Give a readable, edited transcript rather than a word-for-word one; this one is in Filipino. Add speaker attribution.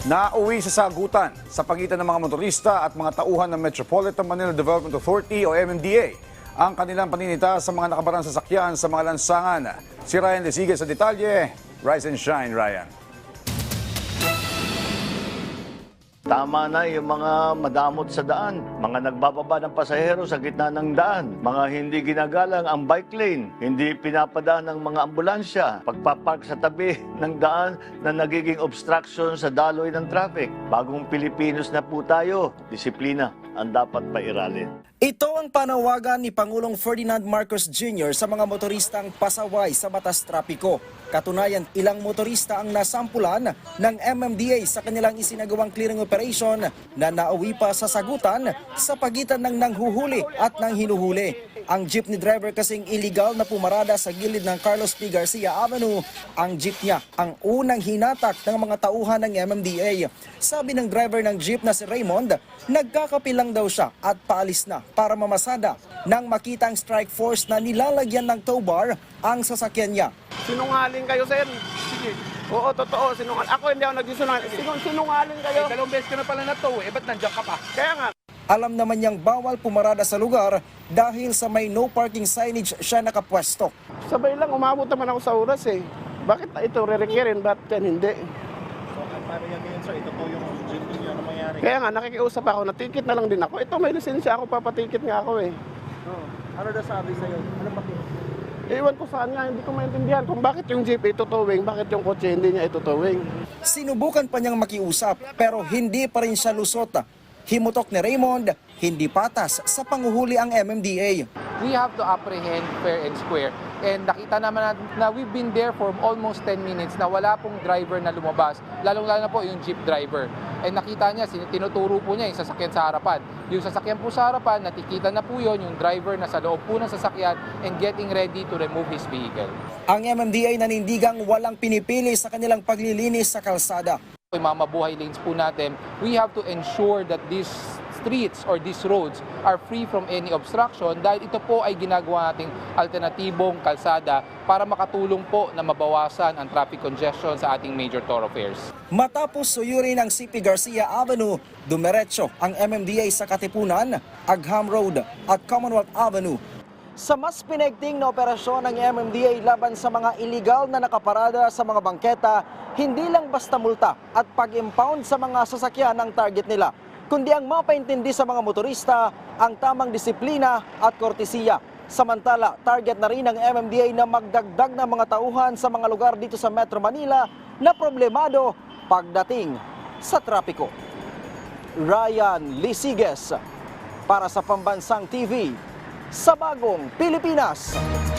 Speaker 1: Nauwi sa sagutan sa pagitan ng mga motorista at mga tauhan ng Metropolitan Manila Development Authority o MMDA ang kanilang paninita sa mga nakabarang sasakyan sa mga lansangan. Si Ryan Lesigue sa detalye. Rise and shine, Ryan.
Speaker 2: Tama na yung mga madamot sa daan, mga nagbababa ng pasahero sa gitna ng daan, mga hindi ginagalang ang bike lane, hindi pinapadaan ng mga ambulansya, pagpapark sa tabi ng daan na nagiging obstruction sa daloy ng traffic. Bagong Pilipinos na po tayo, disiplina ang dapat pairalin.
Speaker 3: Ito ang panawagan ni Pangulong Ferdinand Marcos Jr. sa mga motoristang pasaway sa batas trapiko. Katunayan, ilang motorista ang nasampulan ng MMDA sa kanilang isinagawang clearing operation na nauwi pa sa sagutan sa pagitan ng nanghuhuli at nang hinuhuli. Ang jeepney driver kasing illegal na pumarada sa gilid ng Carlos P. Garcia Avenue. Ang jeep niya ang unang hinatak ng mga tauhan ng MMDA. Sabi ng driver ng jeep na si Raymond, nagkakapilang daw siya at paalis na para mamasada nang makita ang strike force na nilalagyan ng tow bar ang sasakyan niya.
Speaker 4: Sinungaling kayo, sir. Sige. Oo, totoo. Sinungaling. Ako hindi ako nagsisungaling. Sinungaling kayo.
Speaker 5: Dalawang beses ka na pala na tow ba't nandiyan ka pa?
Speaker 4: Kaya nga.
Speaker 3: Alam naman niyang bawal pumarada sa lugar dahil sa may no parking signage siya nakapwesto.
Speaker 4: Sabay lang, umabot naman ako sa oras eh. Bakit ito re-requirin? Bakit yan hindi?
Speaker 5: So, paano yan ngayon, sir? Ito po yung jeep niyo na mangyari.
Speaker 4: Kaya nga, nakikiusap ako. Natikit na lang din ako. Ito, may lisensya ako. Papatikit nga ako eh.
Speaker 5: Ano na sabi sa'yo? Ano pa?
Speaker 4: Iwan ko saan nga. Hindi ko maintindihan kung bakit yung jeep itutowing, bakit yung kotse hindi niya itutowing.
Speaker 3: Sinubukan pa niyang makiusap pero hindi pa rin siya lusot. Himutok ni Raymond, hindi patas sa panguhuli ang MMDA.
Speaker 6: We have to apprehend fair and square. And nakita naman natin na we've been there for almost 10 minutes na wala pong driver na lumabas, lalong-lalo na po yung jeep driver. And nakita niya, tinuturo po niya yung sasakyan sa harapan. Yung sasakyan po sa harapan, natikita na po yun, yung driver na sa loob po ng sasakyan and getting ready to remove his vehicle.
Speaker 3: Ang MMDA nanindigang walang pinipili sa kanilang paglilinis sa kalsada.
Speaker 6: Yung mga mabuhay lanes po natin, we have to ensure that these streets or these roads are free from any obstruction dahil ito po ay ginagawa nating alternatibong kalsada para makatulong po na mabawasan ang traffic congestion sa ating major thoroughfares.
Speaker 3: Matapos suyurin ang CP Garcia Avenue, dumiretso ang MMDA sa Katipunan, Agham Road at Commonwealth Avenue. Sa mas pinigting na operasyon ng MMDA laban sa mga iligal na nakaparada sa mga bangketa, hindi lang basta multa at pag-impound sa mga sasakyan ang target nila, kundi ang mapaintindi sa mga motorista ang tamang disiplina at kortesiya. Samantala, target na rin ng MMDA na magdagdag ng mga tauhan sa mga lugar dito sa Metro Manila na problemado pagdating sa trapiko. Ryan Lesigue para sa Pambansang TV sa Bagong Pilipinas.